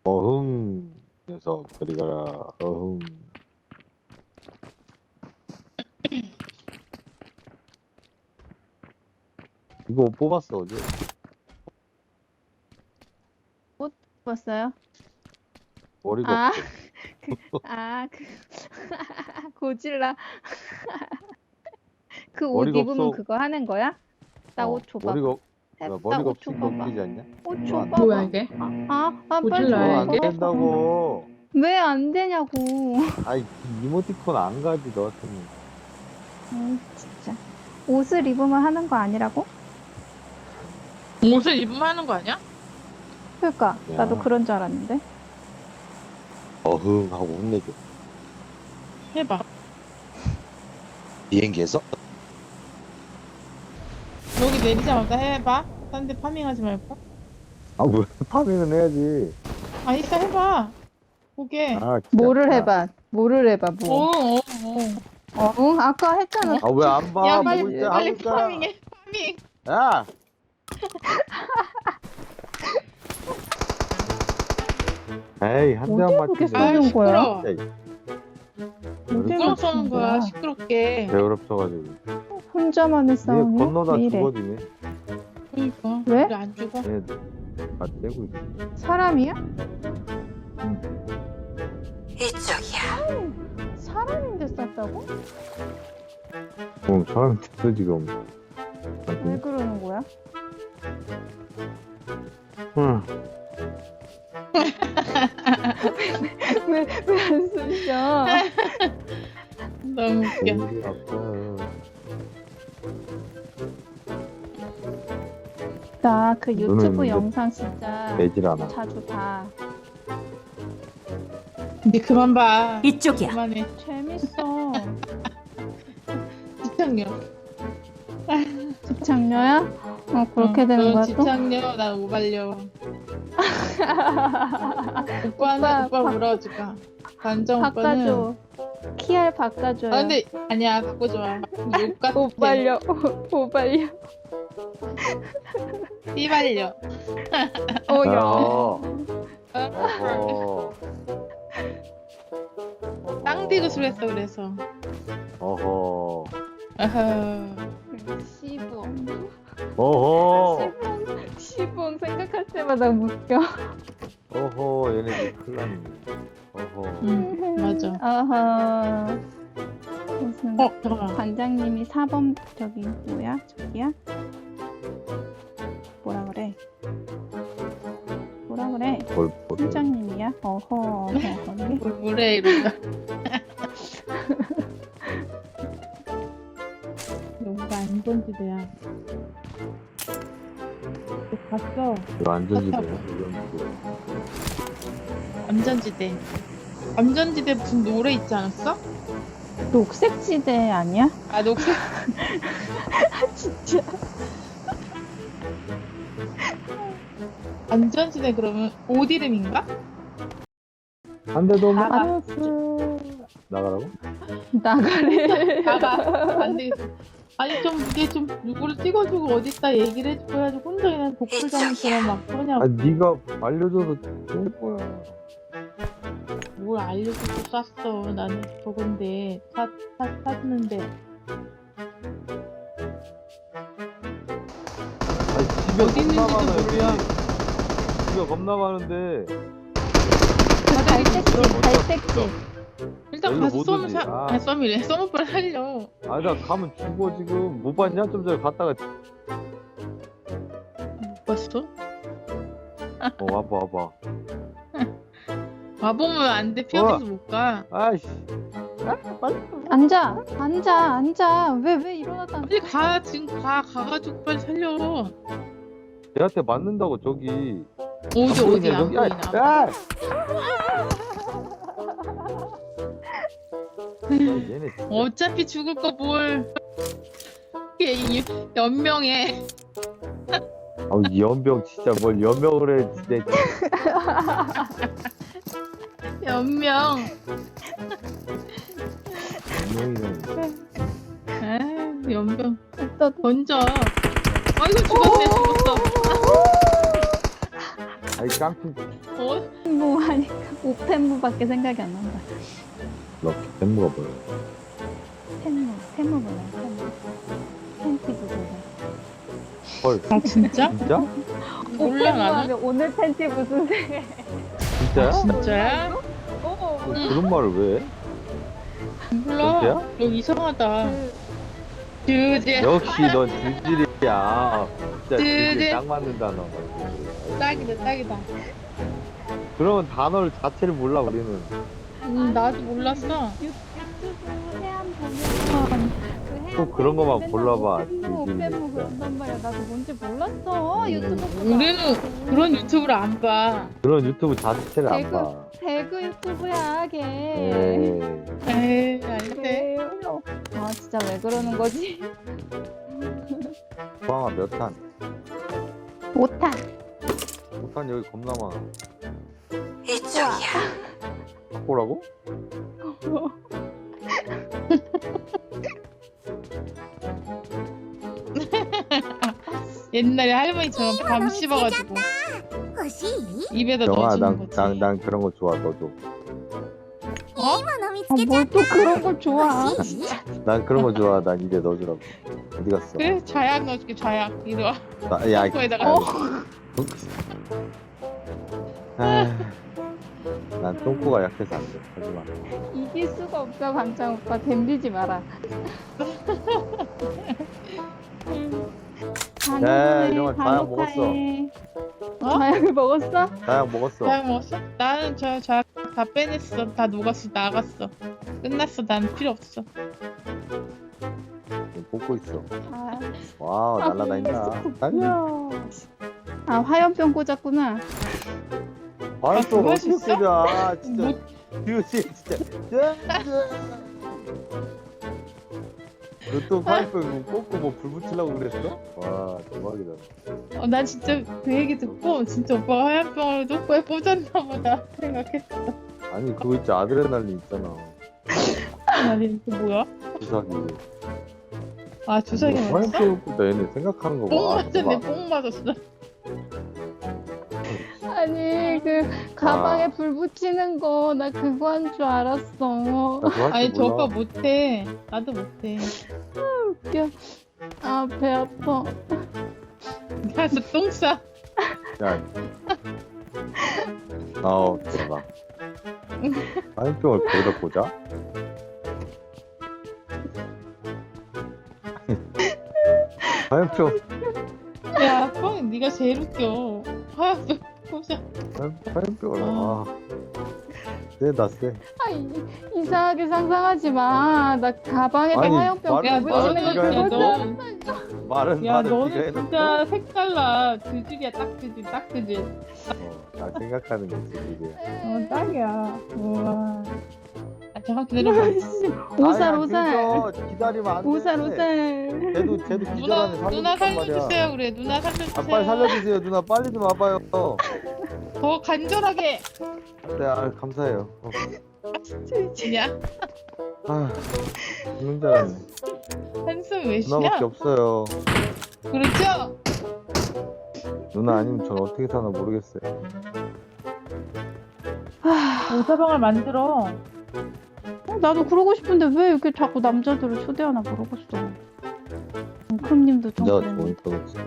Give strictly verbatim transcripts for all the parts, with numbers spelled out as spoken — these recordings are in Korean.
어흥 녀석 저리 가라. 어흥. 이거 옷 뽑았어 어제. 봤어요? 머리가 아, 없어. 그, 아, 그, 고질라. 그 옷 머리가 입으면 없어. 그거 하는 거야? 나 어, 옷 줘봐. 머리가 없- 해- 야, 나 머리가 옷 없으니까 줘봐봐. 웃기지 않냐? 옷 그거 안 줘봐봐. 돼. 뭐야 이게? 아, 아, 아, 빨리 고질라야, 그거 줘. 안 이게? 된다고. 왜 안 되냐고. 아이 이모티콘 안 가지 너 같으면. 음, 진짜. 옷을 입으면 하는 거 아니라고? 옷을 입으면 하는 거 아니야? 그러니까 야. 나도 그런 줄 알았는데. 어흥 하고 혼내줘. 해봐. 비행기에서? 여기 내리자마자 해봐. 딴 데 파밍하지 말고. 아 왜 파밍은 해야지. 아 이따 해봐. 보게. 아 진짜. 뭐를 아, 해봐. 뭐를 해봐. 어, 뭐. 어, 어. 어, 응? 아까 했잖아. 아 왜 안 봐? 야 보고 빨리 있자, 하고 빨리 있잖아. 파밍해. 파밍. 야! 에이 한 대만 어디 맞추네. 보겠어? 아 쏘는 거야? 시끄러. 에이, 누구랑 싸우는 거야? 시끄럽게. 배어렵쳐가지고. 혼자만의 얘 싸움이야? 건너다 왜 이래? 죽어지네. 그러니까. 왜? 우리 안 죽어? 얘 다 떼고 있어. 사람이야? 이쪽이야. 사람인데 쌌다고? 어 사람 됐어 지금. 왜 그러는 거야? 응. 왜, 왜 안 쏘셔? 너무 웃겨. 머리 아파. 나 그 유튜브 있는데 영상 진짜 되질 않아. 자주 봐. 이제 그만 봐. 이쪽이야. 그만해. 재밌어. 집착력. 집착녀야? 어, 그렇게 응, 되는 넌 거야 또? 집착력, 난 오발력. 오빠는 오빠, 오빠 바- 물어주가. 반정 오빠는. 바꿔줘. 키알 바꿔줘요. 아 근데 아니야 바꿔줘. 욕 같아. 오발려. 오발려. 띠발려. 어야. 어. 어허. 땅디귿을 했어 그래서. 어허. 아하. 시봉. 어허. 시봉. 시봉 생각할 때마다 웃겨. 어허. 얘네들 큰일 났네. 어허. 응 맞아. 어허. 무슨 어 잠깐만. 관장님이 사 번 저기 뭐야? 저기야? 뭐라 그래? 뭐라 그래? 뭘 보래. 팀장님이야? 어허. 어허. 거기? 뭘 뭐래 이러다. 여기가 안전지대야. 봤어. 이거 안전지대야. 이건 뭐. 안전지대. 안전지대 무슨 노래 있지 않았어? 녹색지대 아니야? 아 녹색. 진짜. 안전지대 그러면 옷 이름인가? 한 대도 없나? 알았어. 나가라고? 나가래. 나가. 안 되겠어. 아니 좀 이게 좀 누구를 찍어주고 어딨다 얘기를 해줘야지 혼자 그냥 독불장처럼 막 그러냐고. 아 네가 알려줘서 좋을 거야. 뭘 알려주고 쐈어. 나는 저건데 사, 사, 샀는데. 아니 집에 어디 있는지도 겁나 많아, 여기. 몰라. 집에 겁나 많은데. 그 갈색집, 갈색집. 일단 여기로 가서 못 쏘면 오지. 사. 아. 아니 쏘미래. 쏘면 빨리 살려. 아 나 가면 죽어 지금. 못 봤냐? 좀 전에 갔다가. 못 봤어? 어 와봐 와봐. 와보면 안 돼. 피어들어서 못 가. 아이씨. 아 빨리. 앉아, 앉아, 앉아. 왜, 왜 일어났다? 빨리 가. 지금 가. 가가지고 빨리 살려. 얘한테 맞는다고 저기. 어디 안 어디 보이냐, 안 저기? 보이나. 아, 아, 얘네 진짜. 어차피 죽을 거 뭘. 이게 이- 연명해. 아우 이 연병 진짜 뭘 연명을 해 진짜. 연명. 연명이는. 아 연명. 또 던져. 아이고 죽었네. 죽었어. 아니 깡통 어? 뭐 하니까 오펜무밖에 생각이 안 난다. 럭키 팬무가 뭐야? 펜무, 펜무 몰라요. 펜무. 팬티 부분. 헐 아 진짜? 진짜? 몰라 나는. 하면 오늘 팬티 무슨 색? 진짜야? 진짜야? 어. 뭐 그런 말을 왜 해? 몰라. 진짜야? 너 이상하다. 그, 주제. 역시 넌 질질이야. 진짜 질질 질질. 딱 맞는 단어. 딱이다 딱이다. 그러면 단어를 자체를 몰라 우리는. 음, 나도 몰랐어. 유- 유튜브 해안 보면 그 해안 또 그런 것만 맨날 골라봐, 오펜무, 질질 오펜무 진짜. 그런단 말이야. 나도 뭔지 몰랐어. 음. 유튜브 보다. 우리는 그런 유튜브를 안 봐. 그런 유튜브 자체를 안 배그, 봐. 배그 유튜브야, 걔. 에이. 에이 아닌데. 그래요. 아, 진짜 왜 그러는 거지? 포항아 몇 탄? 못한. 오 탄 여기 겁나 많아. 이쪽이야. 바꾸라고? 옛날에 할머니처럼 밤 씹어가지고 입에다 영아 넣어주는 난, 거지. 난, 난 그런 거 좋아 너도. 어? 아, 뭘 또 그런 걸 좋아. 난 그런 거 좋아. 난 입에 넣어주라고. 어디 갔어? 그래 좌약 넣어줄게 좌약. 이리 와. 나, 야, 똥꼬에다가. 어? 아, 난 똥꼬가 약해서 안 돼. 하지 마. 이길 수가 없어, 반장 오빠. 댐비지 마라. 야, 이런 거 다약 먹었어. 어? 다약을 먹었어? 다약 먹었어. 좌약 먹었어? 나는 저 좌약 다 빼냈어. 다 녹았어. 나갔어. 끝났어. 난 필요 없어. 뽑고 있어. 아, 와우, 아, 날라다닌다. 달려. 아 화염병 꽂았구나. 아, 또 그거 어떻게 진짜? 꽂아. 아, 진짜. 못- 듀시, 진짜. 너또 파이프 꽂고 뭐 불 붙이려고 그랬어? 와, 대박이다. 어, 난 진짜 그 얘기 듣고 진짜 오빠가 화염병을 똥꼬에 꽂았나 보다 생각했어. 아니, 그거 있지. 아드레날린 있잖아. 아니 그 뭐야? 주사기. 아 주사기 맞았어? 화염병 꽂다 얘네 생각하는 거 뽕 봐. 맞았네. 봐봐. 뽕 맞았어. 아니 그 가방에 불 붙이는 거 나 그거 한 줄 알았어. 나 그거 할줄 아니 저 몰라. 오빠 못해. 나도 못해. 웃겨. 아 배 아파. 가서 똥 싸. 야. 아우, 대박. 화염병을 거기다 꽂아? 화염병, 야 뻥 네가 제일 웃겨. 화염병 꽂아. 화염- 화염병을, 아. 세다, 세. 아, 이, 이상하게 상상하지 마. 나 가방에다 아니, 화염병 말은- 야 불 말은 붙이는 네가 거 해놓고. 그거잖아. 말은, 야 말은 너는 네가 해놓고. 진짜 색달라. 두줄이야 딱 두줄 딱 두줄. 어, 나 생각하는 거지, 이게. 어 딱이야. 우와. 아 잠깐 기다려봐. 오살 아니, 오살. 그래서 기다리면 안 돼. 오살 오살. 쟤도, 쟤도 누나 기절하면 누나 살려준단 말이야. 살려주세요 그래. 누나 살려주세요. 아, 빨리 살려주세요, 누나. 빨리 좀 와봐요. 더 간절하게. 네, 아, 감사해요. 어. 진짜 아, 죽는 줄 알았네. 한숨 왜 쉬냐? 누나밖에 없어요. 그렇죠? 누나 아니면 전 어떻게 사나 모르겠어요. 오사방을 만들어. 어, 나도 그러고 싶은데 왜 이렇게 자꾸 남자들을 초대하나 모르겠어. 웅크님도 좀 진짜 그랬는데. 좋은 거지.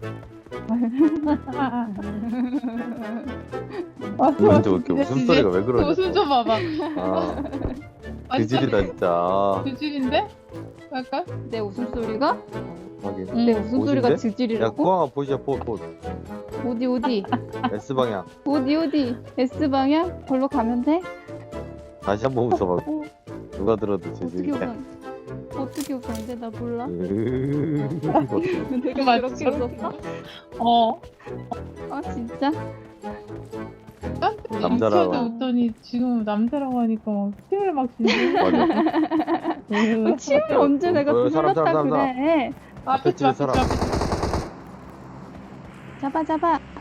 근데 왜 이렇게 웃음소리가 왜 그러냐? 웃음 좀 봐봐. 아, 완전 그질이다 진짜. 그질인데? 약간? 내 웃음소리가? 하긴. 응. 내 웃음소리가 옷인데? 야, 드질이라고? 구왕아 보시자, 보, 보. 어디 어디? S 방향. 어디 어디? S방향? 걸로 가면 돼? 다시 한번 웃어봐. 어, 누가 들어도 어떻게 재질이야. 웃어? 어떻게 웃었는데 나 몰라? 으으으으으. 내가 맞죠? 그렇게 웃었어? 어. 아 진짜? 남자라고. 남자도 웃더니 지금 남자라고 하니까 막 침을 막 지는. 맞아. 어, 침을 언제 내가 어, 사람, 불렀다 사람, 사람, 그래? 앞에 앞에 집 앞에 집 사람. 앞에 집. 잡아 잡아.